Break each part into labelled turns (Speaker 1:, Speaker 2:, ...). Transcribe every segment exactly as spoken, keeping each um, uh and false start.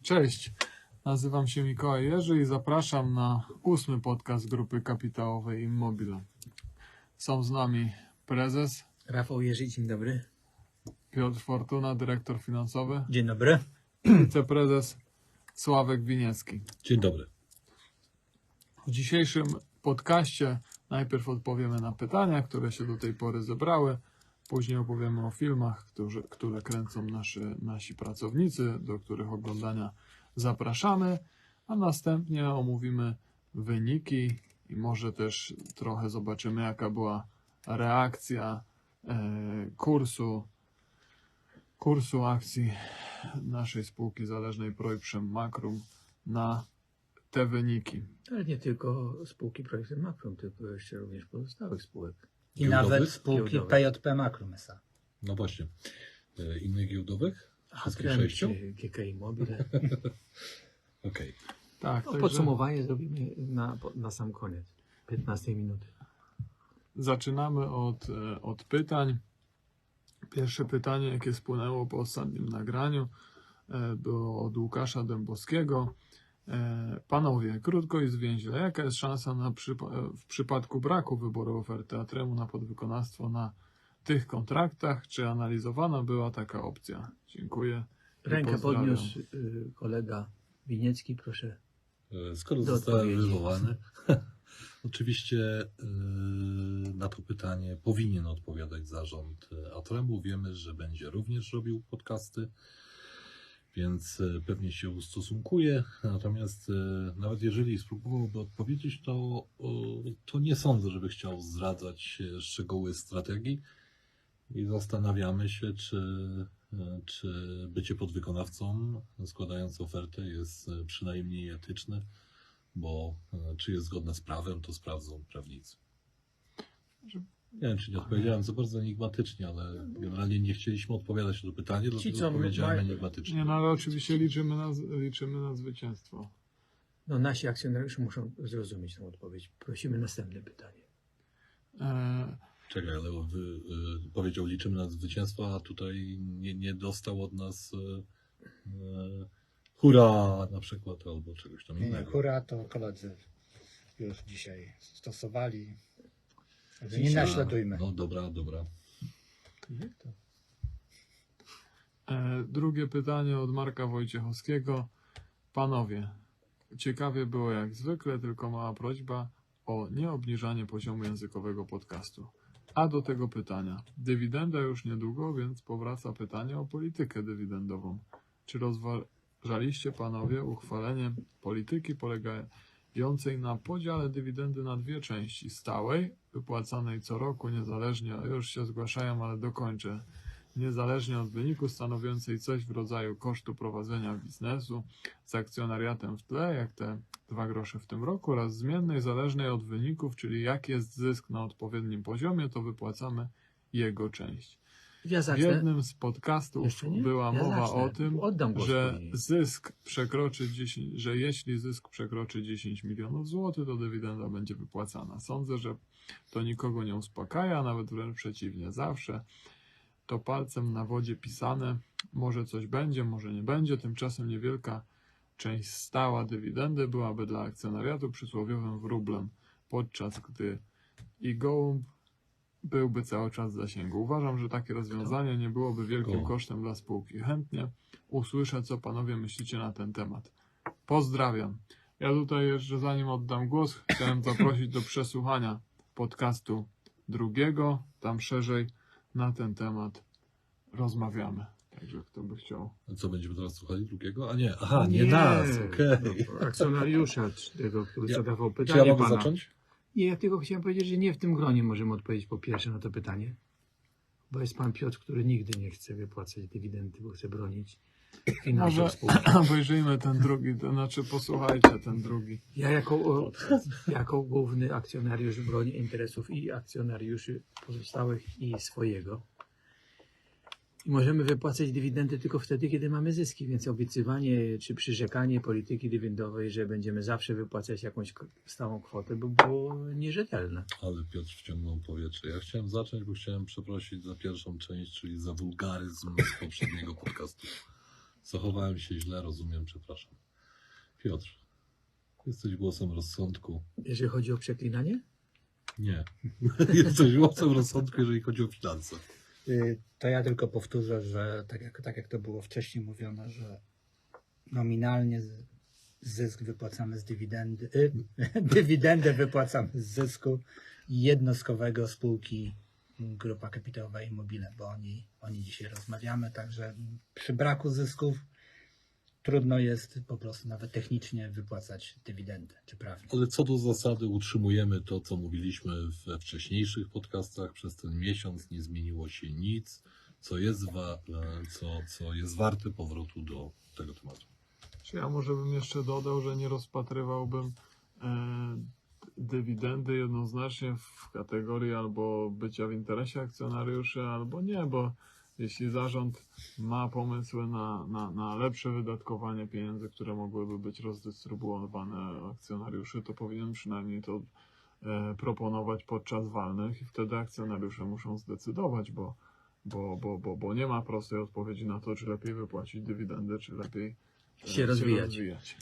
Speaker 1: Cześć, nazywam się Mikołaj Jerzy i zapraszam na ósmy podcast Grupy Kapitałowej Immobile. Są z nami prezes
Speaker 2: Rafał Jerzy, dzień dobry.
Speaker 1: Piotr Fortuna, dyrektor finansowy,
Speaker 2: Dzień dobry.
Speaker 1: wiceprezes Sławek Winiecki.
Speaker 3: Dzień dobry.
Speaker 1: W dzisiejszym podcaście najpierw odpowiemy na pytania, które się do tej pory zebrały. Później opowiemy o filmach, którzy, które kręcą nasi, nasi pracownicy, do których oglądania zapraszamy, a następnie omówimy wyniki i może też trochę zobaczymy, jaka była reakcja e, kursu, kursu akcji naszej spółki zależnej Projprzem Makrum na te wyniki.
Speaker 2: Ale nie tylko spółki projektem Makrum, tylko jeszcze również pozostałych spółek.
Speaker 4: I
Speaker 3: Giełdowych?
Speaker 4: nawet spółki
Speaker 2: Giełdowych.
Speaker 4: P J P Makrum S A.
Speaker 3: No właśnie. E, Innych giełdowych?
Speaker 2: A
Speaker 3: Wszystkich
Speaker 2: Krem,
Speaker 3: sześciu?
Speaker 2: czy G K Immobile.
Speaker 3: Okej.
Speaker 1: Tak,
Speaker 2: No,
Speaker 1: także
Speaker 2: podsumowanie zrobimy na, na sam koniec. piętnastej minuty.
Speaker 1: zaczynamy od, e, od pytań. Pierwsze pytanie, jakie spłynęło po ostatnim nagraniu, e, było od Łukasza Dębowskiego. E, Panowie, krótko i zwięźle, jaka jest szansa na przypa- w przypadku braku wyboru oferty Atremu na podwykonawstwo na tych kontraktach? Czy analizowana była taka opcja? Dziękuję. i
Speaker 2: Rękę
Speaker 1: pozdrawiam.
Speaker 2: podniósł y, kolega Winiecki, proszę.
Speaker 3: E, Skoro
Speaker 2: Do
Speaker 3: zostałem
Speaker 2: odpowiedzi.
Speaker 3: wywołany, oczywiście e, na to pytanie powinien odpowiadać zarząd Atremu. Wiemy, że będzie również robił podcasty, więc e, pewnie się ustosunkuje. Natomiast e, nawet jeżeli spróbowałby odpowiedzieć, to, o, to nie sądzę, żeby chciał zdradzać e, szczegóły strategii i zastanawiamy się, czy, e, czy bycie podwykonawcą składając ofertę jest e, przynajmniej etyczne, bo e, czy jest zgodne z prawem, to sprawdzą prawnicy. Nie wiem, czy nie odpowiedziałem za bardzo enigmatycznie, ale generalnie nie chcieliśmy odpowiadać na to pytanie, dlatego
Speaker 2: co
Speaker 3: odpowiedziałem
Speaker 2: mają-
Speaker 3: enigmatycznie.
Speaker 1: Nie, no ale oczywiście liczymy na, liczymy na zwycięstwo.
Speaker 2: No nasi akcjonariusze muszą zrozumieć tę odpowiedź. Prosimy następne pytanie.
Speaker 1: E,
Speaker 3: Czekaj, ale wy, y, powiedział liczymy na zwycięstwo, a tutaj nie, nie dostał od nas y, y, hurra na przykład, albo czegoś tam
Speaker 4: Nie, nie,
Speaker 3: innego.
Speaker 4: hura to koledzy już dzisiaj stosowali. Także nie
Speaker 2: Dzisiaj-
Speaker 4: naśladujmy.
Speaker 3: No dobra, dobra.
Speaker 2: Jak to?
Speaker 1: E, drugie pytanie od Marka Wojciechowskiego. Panowie, ciekawie było jak zwykle, tylko mała prośba o nieobniżanie poziomu językowego podcastu. A do tego pytania. Dywidenda już niedługo, więc powraca pytanie o politykę dywidendową. Czy rozważaliście panowie uchwalenie polityki polegającej na podziale dywidendy na dwie części? Stałej, wypłacanej co roku, niezależnie, już się zgłaszają, ale dokończę, niezależnie od wyniku, stanowiącej coś w rodzaju kosztu prowadzenia biznesu z akcjonariatem w tle, jak te dwa grosze w tym roku, oraz zmiennej, zależnej od wyników, czyli jak jest zysk na odpowiednim poziomie, to wypłacamy jego część.
Speaker 2: Ja
Speaker 1: W
Speaker 2: zacznę.
Speaker 1: jednym z podcastów
Speaker 2: Jeszcze nie?
Speaker 1: była
Speaker 2: Ja
Speaker 1: mowa
Speaker 2: zacznę.
Speaker 1: o tym,
Speaker 2: Oddam głos
Speaker 1: że
Speaker 2: później.
Speaker 1: zysk przekroczy dziesięć, że jeśli zysk przekroczy dziesięć milionów złotych, to dywidenda będzie wypłacana. Sądzę, że to nikogo nie uspokaja, nawet wręcz przeciwnie. Zawsze to palcem na wodzie pisane, może coś będzie, może nie będzie. Tymczasem niewielka część stała dywidendy byłaby dla akcjonariatu przysłowiowym wróblem, podczas gdy i gołąb byłby cały czas w zasięgu. Uważam, że takie rozwiązanie nie byłoby wielkim
Speaker 3: Gołąb.
Speaker 1: kosztem dla spółki. Chętnie usłyszę, co panowie myślicie na ten temat. Pozdrawiam. Ja tutaj jeszcze, zanim oddam głos, chciałem zaprosić do przesłuchania podcastu drugiego. Tam szerzej na ten temat rozmawiamy. Także kto by chciał.
Speaker 3: A co, będziemy teraz słuchali drugiego? A nie, aha, nie, nas, okej.
Speaker 2: No, akcjonariusza tego, który
Speaker 3: Ja-
Speaker 2: zadawał
Speaker 3: Czy
Speaker 2: pytanie
Speaker 3: ja mogę
Speaker 2: pana.
Speaker 3: zacząć?
Speaker 2: Nie, ja tylko chciałem powiedzieć, że nie w tym gronie możemy odpowiedzieć po pierwsze na to pytanie, bo jest pan Piotr, który nigdy nie chce wypłacać dywidendy, bo chce bronić
Speaker 1: Może
Speaker 2: finansów spółki.
Speaker 1: obejrzyjmy ten drugi, to znaczy posłuchajcie ten drugi.
Speaker 2: Ja jako, o, jako główny akcjonariusz bronię interesów i akcjonariuszy pozostałych i swojego. I możemy wypłacać dywidendy tylko wtedy, kiedy mamy zyski, więc obiecywanie czy przyrzekanie polityki dywidendowej, że będziemy zawsze wypłacać jakąś k- stałą kwotę, by było nierzetelne.
Speaker 3: Ale Piotr wciągnął powietrze. Ja chciałem zacząć, bo chciałem przeprosić za pierwszą część, czyli za wulgaryzm z poprzedniego podcastu. Zachowałem się źle, rozumiem, przepraszam. Piotr, jesteś głosem rozsądku.
Speaker 2: Jeżeli chodzi o przeklinanie?
Speaker 3: Nie. Jesteś głosem rozsądku, jeżeli chodzi o finanse.
Speaker 4: Y, To ja tylko powtórzę, że tak jak, tak jak to było wcześniej mówione, że nominalnie z- zysk wypłacamy z dywidendy, y, dywidendę wypłacamy z zysku jednostkowego spółki Grupa Kapitałowa Immobile, bo o niej, o niej dzisiaj rozmawiamy, także przy braku zysków trudno jest po prostu nawet technicznie wypłacać dywidendę, czy prawnie.
Speaker 3: Ale co do zasady utrzymujemy to, co mówiliśmy we wcześniejszych podcastach. Przez ten miesiąc nie zmieniło się nic, co jest, wa- e, co, co jest warte powrotu do tego tematu.
Speaker 1: Czy ja może bym jeszcze dodał, że nie rozpatrywałbym e, dywidendy jednoznacznie w kategorii albo bycia w interesie akcjonariuszy, albo nie, bo jeśli zarząd ma pomysły na, na, na lepsze wydatkowanie pieniędzy, które mogłyby być rozdystrybuowane akcjonariuszy, to powinien przynajmniej to e, proponować podczas walnych i wtedy akcjonariusze muszą zdecydować, bo, bo, bo, bo, bo nie ma prostej odpowiedzi na to, czy lepiej wypłacić dywidendę, czy lepiej e,
Speaker 2: Się rozwijać.
Speaker 1: rozwijać.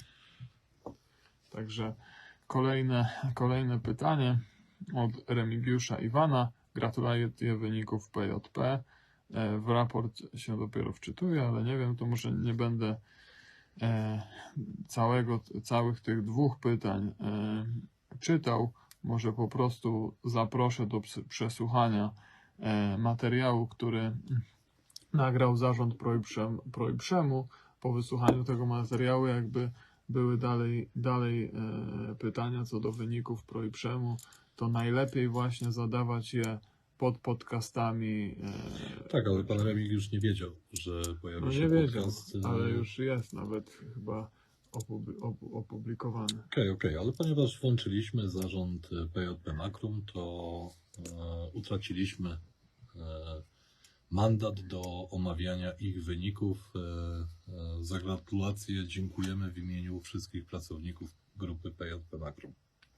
Speaker 1: Także kolejne, kolejne pytanie od Remigiusza Iwana. Gratuluję wyników P J P. E, W raport się dopiero wczytuję, ale nie wiem, to może nie będę e, całego, całych tych dwóch pytań e, czytał. Może po prostu zaproszę do ps- przesłuchania e, materiału, który nagrał zarząd Projprzem, Projprzemu. Po wysłuchaniu tego materiału jakby były dalej, dalej e, pytania co do wyników Projprzemu, to najlepiej właśnie zadawać je pod podcastami. E,
Speaker 3: Tak, ale pan Remigiusz nie wiedział, że pojawi
Speaker 1: no
Speaker 3: się
Speaker 1: nie wiedział,
Speaker 3: podcast. e,
Speaker 1: ale już jest nawet chyba opubli- op- opublikowany.
Speaker 3: Okej, okej, ale ponieważ włączyliśmy zarząd e, P J P Makrum, to e, utraciliśmy e, mandat do omawiania ich wyników. E, e, za gratulacje dziękujemy w imieniu wszystkich pracowników grupy P J P Makrum.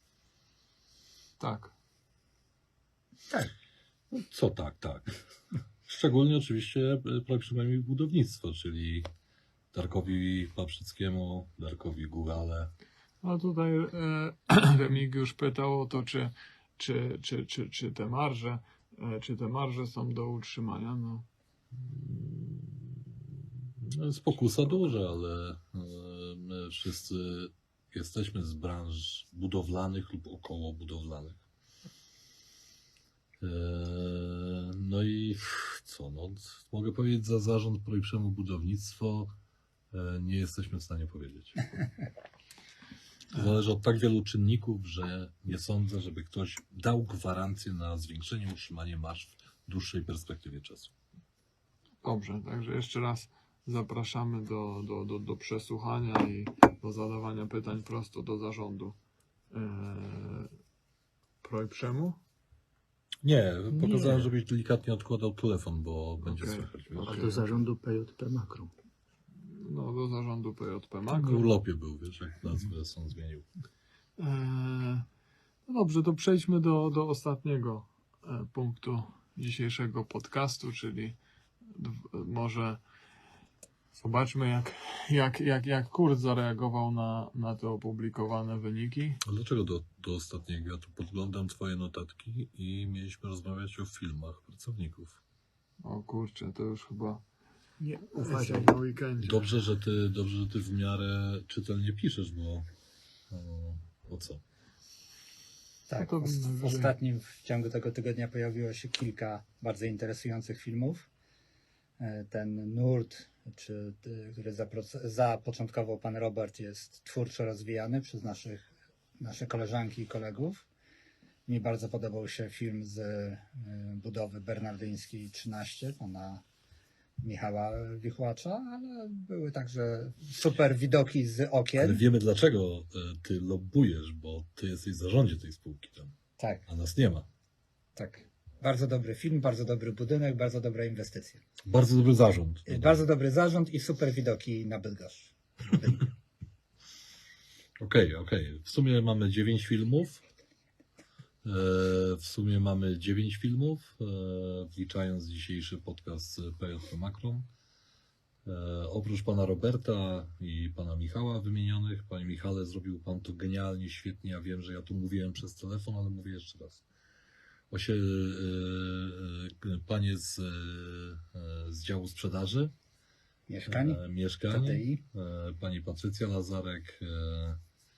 Speaker 1: Tak.
Speaker 4: Tak.
Speaker 3: No, co tak, tak. Szczególnie oczywiście e, przynajmniej budownictwo, czyli Darkowi Paprzyckiemu, Darkowi Gugale.
Speaker 1: A tutaj e, Remigiusz pytał o to, czy, czy, czy, czy, czy te marże, e, czy te marże są do utrzymania. No,
Speaker 3: No, jest pokusa duża, ale e, my wszyscy jesteśmy z branż budowlanych lub około budowlanych. E, No i co, no, mogę powiedzieć za zarząd Projprzemu Budownictwo e, nie jesteśmy w stanie powiedzieć. To zależy od tak wielu czynników, że nie sądzę, żeby ktoś dał gwarancję na zwiększenie, utrzymanie marż w dłuższej perspektywie czasu.
Speaker 1: dobrze, także jeszcze raz zapraszamy do, do, do, do przesłuchania i do zadawania pytań prosto do zarządu e, Projprzemu.
Speaker 3: Nie, pokazałem,
Speaker 2: Nie.
Speaker 3: żebyś delikatnie odkładał telefon, bo będzie
Speaker 1: Okej.
Speaker 3: słychać. Wiesz?
Speaker 2: A
Speaker 1: Okej.
Speaker 2: do zarządu P J P Makrum.
Speaker 1: No, do zarządu P J P
Speaker 3: W
Speaker 1: Makro.
Speaker 3: urlopie był, wiesz, jak nazwę są zmienił.
Speaker 1: Eee, no dobrze, to przejdźmy do, do ostatniego e, punktu dzisiejszego podcastu, czyli d- może zobaczmy, jak, jak, jak, jak Kurt zareagował na, na te opublikowane wyniki.
Speaker 3: A dlaczego do, do ostatniego? Ja tu podglądam twoje notatki i mieliśmy rozmawiać o filmach pracowników.
Speaker 1: O kurczę, to już chyba
Speaker 2: Nie, uważaj.
Speaker 1: na weekendzie.
Speaker 3: Dobrze, że ty, dobrze, że ty w miarę czytelnie piszesz, bo o, o co?
Speaker 4: Tak,
Speaker 1: No to
Speaker 4: w, w
Speaker 1: najwyżej.
Speaker 4: ostatnim w ciągu tego tygodnia pojawiło się kilka bardzo interesujących filmów. E, Ten nurt, czy, y, który zapro- zapoczątkował pan Robert, jest twórczo rozwijany przez naszych, nasze koleżanki i kolegów. Mi bardzo podobał się film z y, budowy Bernardyńskiej trzynaście, pana Michała Wichłacza, ale były także super widoki z
Speaker 3: Ale
Speaker 4: okien.
Speaker 3: wiemy, dlaczego e, ty lobbujesz, bo ty jesteś w zarządzie tej spółki tam,
Speaker 4: Tak,
Speaker 3: a nas nie ma.
Speaker 4: tak. Bardzo dobry film, bardzo dobry budynek, bardzo dobra inwestycja.
Speaker 3: Bardzo dobry zarząd.
Speaker 4: Y, Bardzo dobry zarząd i super widoki na Bydgoszcz.
Speaker 3: Okej, okej. W sumie mamy dziewięć filmów. E, W sumie mamy dziewięć filmów, e, wliczając dzisiejszy podcast P J P Makrum. E, oprócz pana Roberta i pana Michała wymienionych, panie Michale, zrobił pan to genialnie, świetnie. Ja wiem, że ja tu mówiłem przez telefon, ale mówię jeszcze raz. Osie, e, e, panie z, e, z działu sprzedaży,
Speaker 4: Mieszkań,
Speaker 3: e, mieszkań,
Speaker 4: K T I.
Speaker 3: e, pani Patrycja Lazarek, e,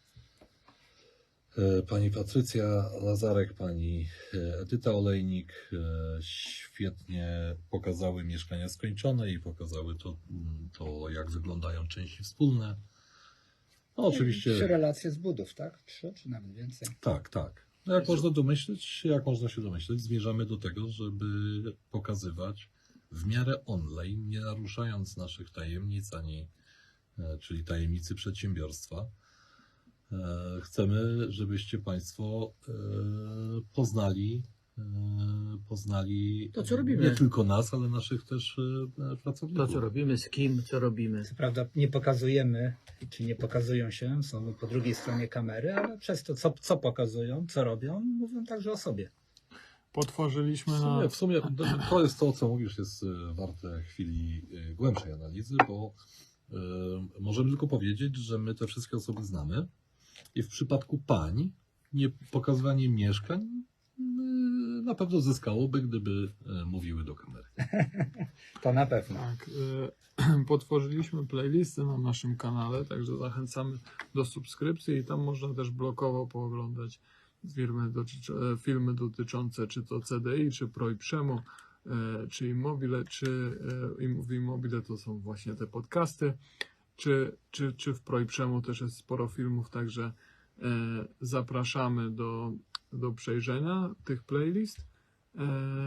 Speaker 3: e, pani Patrycja Lazarek, pani e, Edyta Olejnik e, świetnie pokazały mieszkania skończone i pokazały to, mm, to jak wyglądają części wspólne. No oczywiście.
Speaker 4: Trzy relacje z budów, tak? Trzy czy nawet więcej.
Speaker 3: Tak, tak. No jak można domyśleć, jak można się domyśleć, zmierzamy do tego, żeby pokazywać w miarę online, nie naruszając naszych tajemnic, ani, e, czyli tajemnicy przedsiębiorstwa. E, Chcemy, żebyście Państwo e, poznali, e, poznali
Speaker 2: To, co robimy.
Speaker 3: nie tylko nas, ale naszych też e,
Speaker 2: To,
Speaker 3: pracowników.
Speaker 2: co robimy, z kim, co robimy.
Speaker 4: Co prawda nie pokazujemy, czy nie pokazują się, są po drugiej stronie kamery, ale przez to, co, co pokazują, co robią, mówią także o sobie.
Speaker 1: Potworzyliśmy
Speaker 3: W
Speaker 1: na...
Speaker 3: sumie, w sumie to- to jest to, co mówisz, jest e, warte chwili e, głębszej analizy, bo e, możemy tylko powiedzieć, że my te wszystkie osoby znamy i w przypadku pań nie pokazywanie mieszkań e, na pewno zyskałoby, gdyby e, mówiły do kamery.
Speaker 4: To na pewno.
Speaker 1: Tak, y, potworzyliśmy playlisty na naszym kanale, także zachęcamy do subskrypcji i tam można też blokowo pooglądać filmy, dotyczy, filmy dotyczące czy to C D I, czy ProIprzemu, y, czy Immobile, czy y, im- w Immobile to są właśnie te podcasty, czy, czy, czy w ProIprzemu też jest sporo filmów, także y, zapraszamy do, do przejrzenia tych playlist. Y,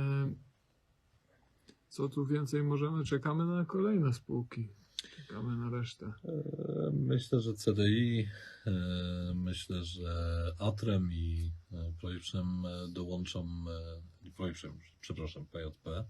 Speaker 1: Co tu więcej możemy? Czekamy na kolejne spółki. Czekamy na resztę.
Speaker 3: E, Myślę, że C D I, e, myślę, że Atrem i e, Projiprzem e, dołączą, e, nie Projiprzem, przepraszam, P J P,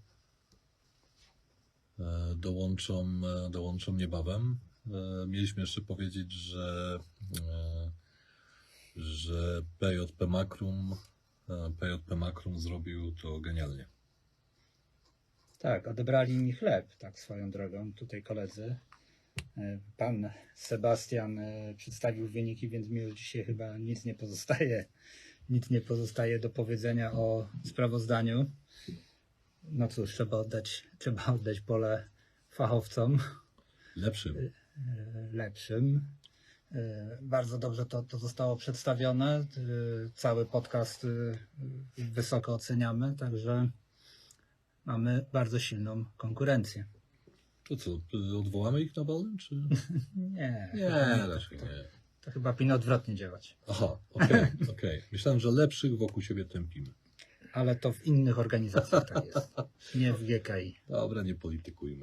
Speaker 3: e, dołączą, e, dołączą niebawem. E, Mieliśmy jeszcze powiedzieć, że, e, że P J P Makrum, e, P J P Makrum zrobił to genialnie.
Speaker 4: Tak, odebrali mi chleb, tak swoją drogą, tutaj koledzy. E, Pan Sebastian e, przedstawił wyniki, więc mi już dzisiaj chyba nic nie pozostaje. Nic nie pozostaje do powiedzenia o sprawozdaniu. No cóż, trzeba oddać, trzeba oddać pole fachowcom
Speaker 3: Lepszym.
Speaker 4: e, lepszym. E, Bardzo dobrze to, to zostało przedstawione. E, Cały podcast e, wysoko oceniamy, także mamy bardzo silną konkurencję.
Speaker 3: To co, e, odwołamy ich na balem, czy?
Speaker 4: Nie,
Speaker 3: Nie,
Speaker 4: to,
Speaker 3: raczej nie.
Speaker 4: to chyba powinno odwrotnie działać.
Speaker 3: Aha, okej, okej. Myślałem, że lepszych wokół siebie tępimy.
Speaker 4: Ale to w innych organizacjach tak jest. Nie w G K I.
Speaker 3: Dobra, nie politykujmy.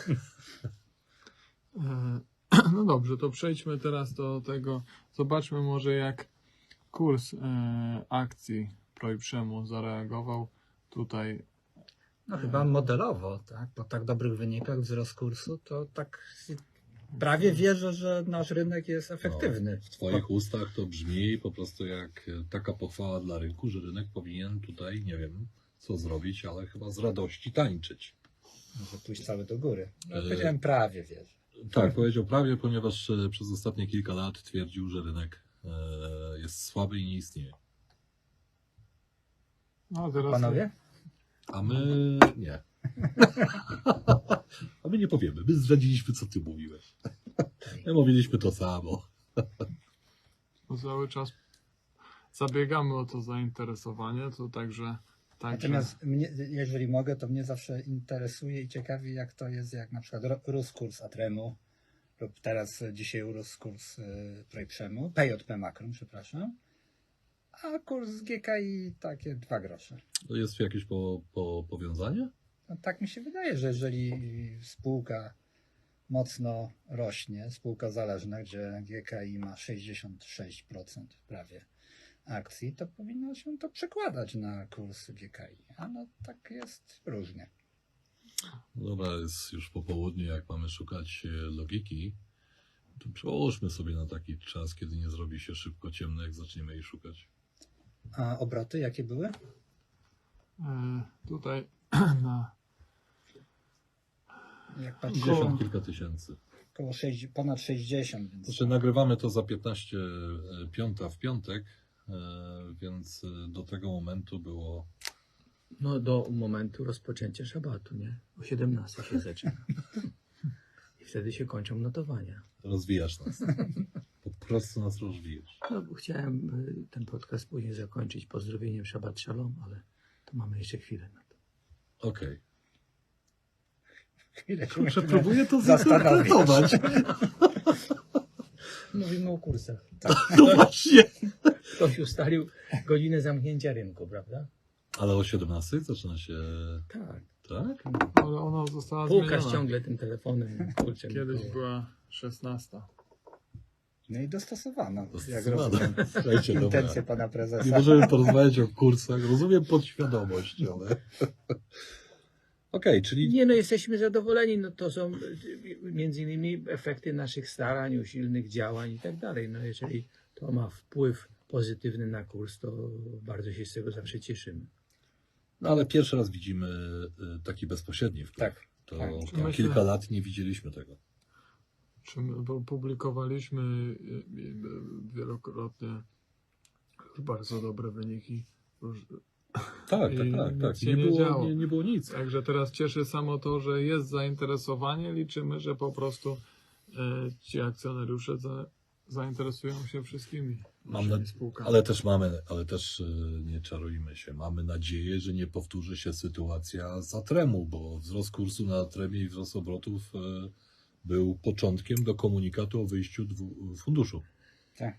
Speaker 1: E, No dobrze, to przejdźmy teraz do tego. Zobaczmy może jak kurs e, akcji ProIprzemu zareagował. Tutaj
Speaker 4: No chyba modelowo, tak? Po tak dobrych wynikach wzrost kursu, to tak prawie wierzę, że nasz rynek jest efektywny.
Speaker 3: W Twoich ustach to brzmi po prostu jak taka pochwała dla rynku, że rynek powinien tutaj, nie wiem co zrobić, ale chyba z radości tańczyć.
Speaker 4: Może pójść cały do góry. No,
Speaker 3: E,
Speaker 4: powiedziałem prawie wierzę.
Speaker 3: Tak, powiedział prawie, ponieważ e, przez ostatnie kilka lat twierdził, że rynek e, jest słaby i nie istnieje.
Speaker 1: no teraz
Speaker 4: Panowie?
Speaker 3: A my nie. A my nie powiemy. My zdradziliśmy, co ty mówiłeś. My mówiliśmy to samo.
Speaker 1: no, cały czas zabiegamy o to zainteresowanie, to także także
Speaker 4: Natomiast mnie, jeżeli mogę, to mnie zawsze interesuje i ciekawi, jak to jest, jak na przykład ro- rósł kurs Atremu lub teraz e, dzisiaj urósł kurs y, ProIprzemu, P J P Makrum, przepraszam, a kurs G K I takie dwa grosze.
Speaker 3: To jest tu jakieś po, po, powiązanie?
Speaker 4: No, tak mi się wydaje, że jeżeli spółka mocno rośnie, spółka zależna, gdzie G K I ma sześćdziesiąt sześć procent prawie akcji, to powinno się to przekładać na kurs G K I. A no tak jest różnie.
Speaker 3: Dobra, jest już po południu, jak mamy szukać e, logiki, to przełóżmy sobie na taki czas, kiedy nie zrobi się szybko ciemno, jak zaczniemy jej szukać.
Speaker 4: A obroty jakie były?
Speaker 1: e, tutaj na
Speaker 4: Jak patrzę,
Speaker 3: pięćdziesiąt kilka tysięcy.
Speaker 4: około sześć, ponad sześćdziesiąt. Więc...
Speaker 3: Znaczy, nagrywamy to za piętnaście piąta w piątek, e, więc e, do tego momentu było.
Speaker 2: No do momentu rozpoczęcia szabatu, nie? O siedemnastej się zaczyna. I wtedy się kończą notowania.
Speaker 3: Rozwijasz nas. Po prostu nas rozwijasz.
Speaker 2: No bo chciałem y, ten podcast później zakończyć pozdrowieniem Shabbat Shalom, ale to mamy jeszcze chwilę na to.
Speaker 3: Okej.
Speaker 4: Chwilę się
Speaker 3: Kurczę,
Speaker 4: musimy
Speaker 3: próbuję to
Speaker 4: zastanowić.
Speaker 3: zinterpretować.
Speaker 2: Mówimy o kursach.
Speaker 3: No właśnie.
Speaker 2: Ktoś ustalił godzinę zamknięcia rynku, prawda?
Speaker 3: Ale o siedemnastej zaczyna się.
Speaker 2: Tak.
Speaker 3: Tak?
Speaker 1: Ale ona została
Speaker 2: Pukasz
Speaker 1: zmieniona.
Speaker 2: ciągle tym telefonem. Kurczę,
Speaker 1: Kiedyś
Speaker 2: Mikołaj.
Speaker 1: była szesnasta.
Speaker 4: No i dostosowano, jak
Speaker 3: Dostosowano.
Speaker 4: rozumiem,
Speaker 3: Słuchajcie, dobra.
Speaker 4: intencje pana prezesa.
Speaker 3: Nie możemy porozmawiać o kursach. Rozumiem podświadomość, ale. Okej, czyli.
Speaker 2: Nie no, jesteśmy zadowoleni. No to są y, między innymi efekty naszych starań, usilnych działań i tak dalej. No jeżeli to ma wpływ pozytywny na kurs, to bardzo się z tego zawsze cieszymy.
Speaker 3: No ale pierwszy raz widzimy y, taki bezpośredni wpływ.
Speaker 4: Tak.
Speaker 3: To
Speaker 4: Tak.
Speaker 3: tam
Speaker 1: Myślę-
Speaker 3: kilka lat nie widzieliśmy tego.
Speaker 1: Czy my pu- publikowaliśmy y, y, wielokrotnie bardzo dobre wyniki. Róż-
Speaker 3: Tak,
Speaker 1: I
Speaker 3: tak, tak,
Speaker 1: nic
Speaker 3: tak.
Speaker 1: się
Speaker 3: Nie
Speaker 1: nie
Speaker 3: było,
Speaker 1: działo.
Speaker 3: nie, nie było nic.
Speaker 1: Także teraz cieszy samo to, że jest zainteresowanie. Liczymy, że po prostu y, ci akcjonariusze za, zainteresują się wszystkimi
Speaker 3: Mam
Speaker 1: naszymi
Speaker 3: na-
Speaker 1: spółkami.
Speaker 3: Ale też mamy, ale też y, nie czarujmy się. Mamy nadzieję, że nie powtórzy się sytuacja z Atremu, bo wzrost kursu na Atremie i wzrost obrotów y, był początkiem do komunikatu o wyjściu dwu, funduszu.
Speaker 4: Tak.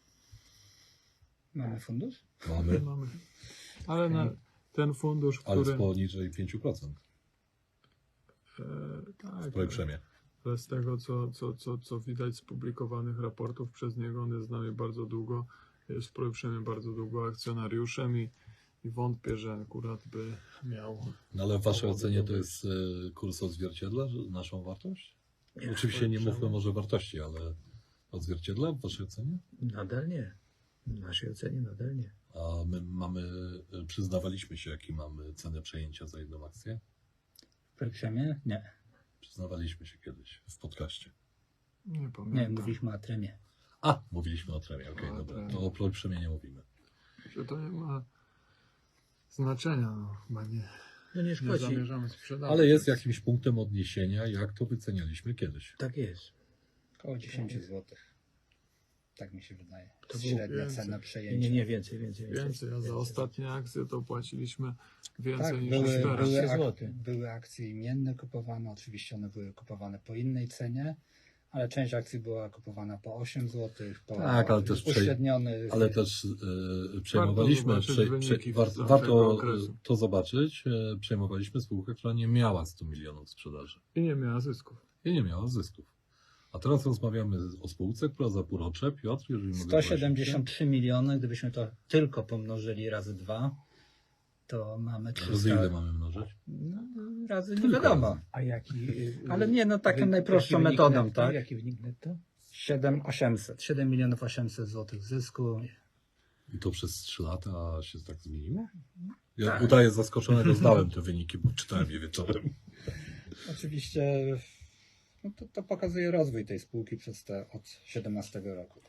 Speaker 4: Mamy fundusz?
Speaker 3: Mamy,
Speaker 1: Mamy. Ale na ten fundusz,
Speaker 3: ale
Speaker 1: który...
Speaker 3: z poniżej pięć procent
Speaker 1: E, tak,
Speaker 3: w Projprzemie.
Speaker 1: ale z tego, co, co, co, co widać z publikowanych raportów przez niego, on jest z nami bardzo długo, jest w Projprzemie bardzo długo akcjonariuszem i, i wątpię, że akurat by miał...
Speaker 3: No ale w waszej
Speaker 1: powody
Speaker 3: ocenie
Speaker 1: do
Speaker 3: to
Speaker 1: wyjścia.
Speaker 3: jest y, kurs odzwierciedla że- naszą wartość?
Speaker 2: Nie,
Speaker 3: Oczywiście nie
Speaker 1: Projprzemie.
Speaker 3: mówmy może wartości, ale odzwierciedla w waszej ocenie?
Speaker 2: Nadal nie. W naszej ocenie nadal nie.
Speaker 3: A my mamy, y, przyznawaliśmy się, jaki mamy cenę przejęcia za jedną akcję?
Speaker 4: W Projprzemie? Nie.
Speaker 3: Przyznawaliśmy się kiedyś w podcaście.
Speaker 1: Nie
Speaker 4: Nie,
Speaker 1: pamiętam.
Speaker 4: mówiliśmy o Tremie.
Speaker 3: A, mówiliśmy o Tremie, okej,
Speaker 1: O
Speaker 3: dobra.
Speaker 1: Tremie.
Speaker 3: To o Projprzemie nie mówimy.
Speaker 1: Że to nie ma znaczenia, no, chyba nie,
Speaker 2: No nie
Speaker 1: nie
Speaker 2: szkodzi.
Speaker 1: zamierzamy sprzedawać.
Speaker 3: Ale jest jakimś punktem odniesienia, jak to wycenialiśmy kiedyś.
Speaker 2: Tak jest.
Speaker 4: Około dziesięć złotych. Tak mi się wydaje.
Speaker 2: To było
Speaker 4: Średnia
Speaker 1: więcej.
Speaker 4: cena
Speaker 2: Nie,
Speaker 4: przejęcia.
Speaker 2: nie, nie, więcej, więcej.
Speaker 1: Więcej, a za
Speaker 2: Więcej.
Speaker 1: ostatnie akcje to płaciliśmy więcej
Speaker 4: Tak,
Speaker 1: niż
Speaker 4: były,
Speaker 1: teraz.
Speaker 4: były,
Speaker 2: czternaście
Speaker 4: ak-
Speaker 2: złotych.
Speaker 4: były akcje imienne kupowane, oczywiście one były kupowane po innej cenie, ale część akcji była kupowana po osiem złotych, po
Speaker 3: Tak, ale też prze-
Speaker 4: uśrednionych.
Speaker 3: Ale też e, przejmowaliśmy,
Speaker 1: zobaczyć
Speaker 3: prze,
Speaker 1: wyniki
Speaker 3: prze, war,
Speaker 1: z tamtego
Speaker 3: warto
Speaker 1: okresu.
Speaker 3: to zobaczyć, e, przejmowaliśmy spółkę, która nie miała stu milionów sprzedaży
Speaker 1: I nie miała zysków.
Speaker 3: i nie miała zysków. A teraz rozmawiamy o spółce, która za półrocze, Piotr, jeżeli mogę
Speaker 4: sto siedemdziesiąt trzy miliony, gdybyśmy to tylko pomnożyli razy dwa, to mamy
Speaker 3: prosić. Razy ile
Speaker 4: trzysta.
Speaker 3: mamy mnożyć?
Speaker 4: No, razy nie
Speaker 3: Tylko
Speaker 4: wiadomo.
Speaker 2: A jaki... y,
Speaker 4: Ale nie, no taką
Speaker 2: wy-
Speaker 4: najprostszą
Speaker 2: jaki wynik
Speaker 4: metodą,
Speaker 2: netto?
Speaker 4: tak?
Speaker 2: Jaki wynik netto?
Speaker 4: siedem osiemset. siedem milionów osiemset złotych zysku.
Speaker 3: I to przez trzy lata się tak zmieniło? Ja
Speaker 4: Tak.
Speaker 3: udaję zaskoczonego, zdałem te wyniki, bo czytałem je wieczorem.
Speaker 4: Oczywiście no to, to pokazuje rozwój tej spółki przez te od siedemnastego roku.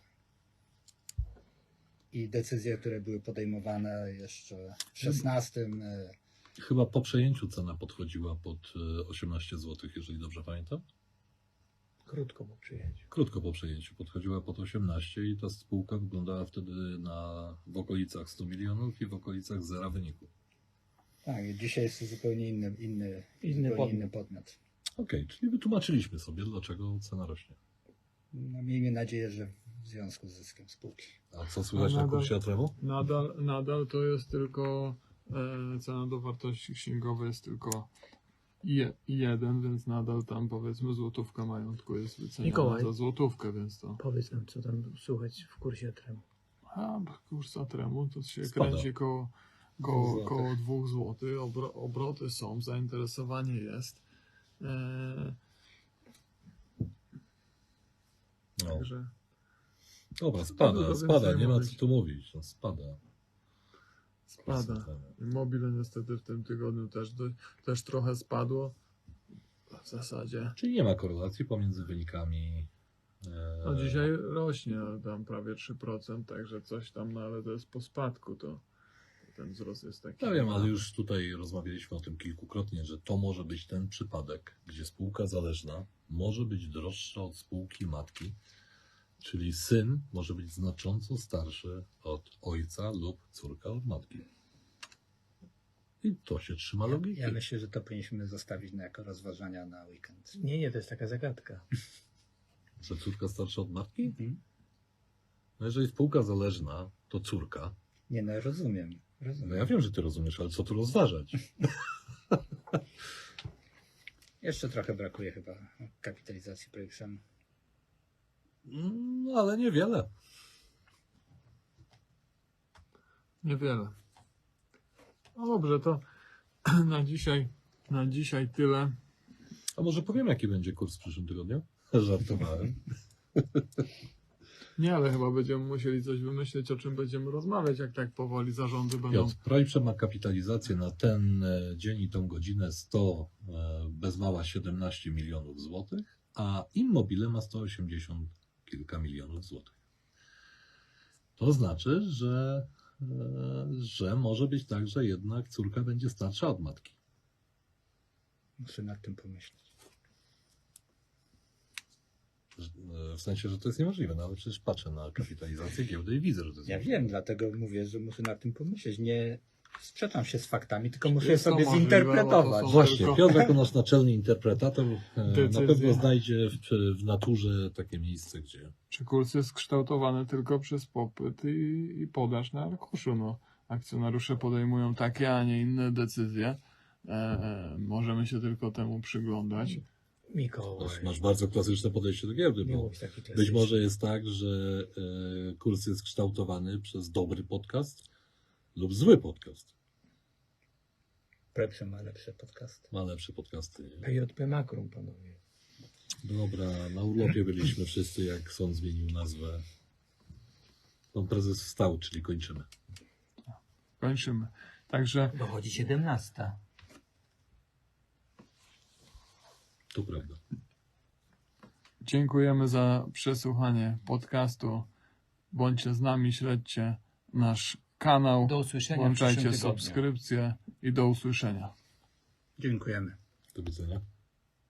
Speaker 4: I decyzje, które były podejmowane jeszcze w szesnastym. e,
Speaker 3: Chyba po przejęciu cena podchodziła pod e, osiemnaście złotych, jeżeli dobrze pamiętam.
Speaker 2: Krótko po przyjęciu.
Speaker 3: Krótko po przejęciu podchodziła pod osiemnaście i ta spółka wyglądała wtedy na, w okolicach stu milionów i w okolicach zera wyniku.
Speaker 4: Tak, i dzisiaj jest to zupełnie inny, inny,
Speaker 2: Inny
Speaker 4: zupełnie
Speaker 2: podmiot.
Speaker 4: inny podmiot.
Speaker 3: Okej, czyli wytłumaczyliśmy sobie, dlaczego cena rośnie.
Speaker 4: No, miejmy nadzieję, że w związku z zyskiem spółki.
Speaker 3: A co słychać
Speaker 1: A
Speaker 3: na
Speaker 1: nadal-
Speaker 3: kursie Atremu?
Speaker 1: Nadal, nadal to jest tylko e, cena do wartości księgowej jest tylko je, jeden, więc nadal tam powiedzmy złotówka majątku jest wyceniana
Speaker 2: Mikołaj.
Speaker 1: za złotówkę, więc to...
Speaker 2: Powiedz nam, co tam słychać w kursie Atremu.
Speaker 1: A kurs Atremu to się
Speaker 3: Spada.
Speaker 1: kręci koło,
Speaker 4: Dwóch
Speaker 1: koło,
Speaker 4: złotych.
Speaker 1: koło dwóch złotych. Obro, obroty są, zainteresowanie jest. E,
Speaker 3: No.
Speaker 1: także
Speaker 3: Dobra, spada,
Speaker 1: Dużo
Speaker 3: spada,
Speaker 1: więcej
Speaker 3: nie ma
Speaker 1: mówić.
Speaker 3: co tu mówić. No, spada.
Speaker 1: spada. Mobile niestety w tym tygodniu też, do, też trochę spadło. w zasadzie.
Speaker 3: Czyli nie ma korelacji pomiędzy wynikami. e,
Speaker 1: No dzisiaj rośnie tam prawie trzy procent, także coś tam, no ale to jest po spadku, to ten wzrost jest taki.
Speaker 3: Ja wiem, ale już tutaj rozmawialiśmy o tym kilkukrotnie, że to może być ten przypadek, gdzie spółka zależna może być droższa od spółki matki, czyli syn może być znacząco starszy od ojca lub córka od matki. I to się trzyma logiki.
Speaker 4: Ja myślę, że to powinniśmy zostawić na jako rozważania na weekend.
Speaker 2: Nie, nie, to jest taka zagadka.
Speaker 3: Że córka starsza od matki?
Speaker 4: Mhm.
Speaker 3: No jeżeli spółka zależna, to córka.
Speaker 4: Nie no, rozumiem.
Speaker 3: No
Speaker 4: rozumiem.
Speaker 3: ja wiem, że ty rozumiesz, ale co tu rozważać?
Speaker 4: Jeszcze trochę brakuje chyba kapitalizacji Projektem.
Speaker 3: No ale niewiele.
Speaker 1: Niewiele. No dobrze, to na dzisiaj, na dzisiaj tyle.
Speaker 3: A może powiem, jaki będzie kurs w przyszłym tygodniu? Żartowałem.
Speaker 1: Nie, ale chyba będziemy musieli coś wymyślić, o czym będziemy rozmawiać, jak tak powoli zarządy będą.
Speaker 3: Piotr, Projprze ma kapitalizację na ten e, dzień i tą godzinę sto, e, bez mała siedemnaście milionów złotych, a Immobile ma sto osiemdziesiąt kilka milionów złotych. To znaczy, że, e, że może być tak, że jednak córka będzie starsza od matki.
Speaker 4: Muszę nad tym pomyśleć.
Speaker 3: E, W sensie, że to jest niemożliwe, no ale przecież patrzę na kapitalizację giełdy i widzę, że to jest
Speaker 4: Ja
Speaker 3: możliwe.
Speaker 4: wiem, dlatego mówię, że muszę nad tym pomyśleć. Nie sprzeczam się z faktami, tylko muszę je
Speaker 1: Jest to
Speaker 4: sobie
Speaker 1: możliwe,
Speaker 4: zinterpretować.
Speaker 1: bo to są-
Speaker 3: Właśnie,
Speaker 1: tylko-
Speaker 3: Piotr jako nasz naczelny interpretator e, na
Speaker 1: Decyzje.
Speaker 3: pewno znajdzie w, w naturze takie miejsce, gdzie
Speaker 1: Czy kurs jest kształtowany tylko przez popyt i, i podaż na arkuszu? No, akcjonariusze podejmują takie, a nie inne decyzje. E, e, możemy się tylko temu przyglądać.
Speaker 2: Mikołaj.
Speaker 3: masz, masz bardzo klasyczne podejście do giełdy,
Speaker 2: Nie
Speaker 3: bo
Speaker 2: mów taki
Speaker 3: być
Speaker 2: klasyczny.
Speaker 3: może jest tak, że e, kurs jest kształtowany przez dobry podcast lub zły podcast.
Speaker 4: Projektem ma lepsze podcasty.
Speaker 3: Ma lepsze podcasty. Nie?
Speaker 2: P J P Makrum, panowie.
Speaker 3: Dobra, na urlopie byliśmy wszyscy, jak sąd zmienił nazwę. Pan prezes wstał, czyli kończymy.
Speaker 1: Kończymy. Także
Speaker 2: Dochodzi siedemnasta.
Speaker 3: To prawda.
Speaker 1: dziękujemy za przesłuchanie podcastu. Bądźcie z nami, śledźcie nasz kanał,
Speaker 2: Do usłyszenia w
Speaker 1: włączajcie
Speaker 2: przyszłym tygodniu.
Speaker 1: subskrypcje i do usłyszenia.
Speaker 4: Dziękujemy.
Speaker 3: Do widzenia.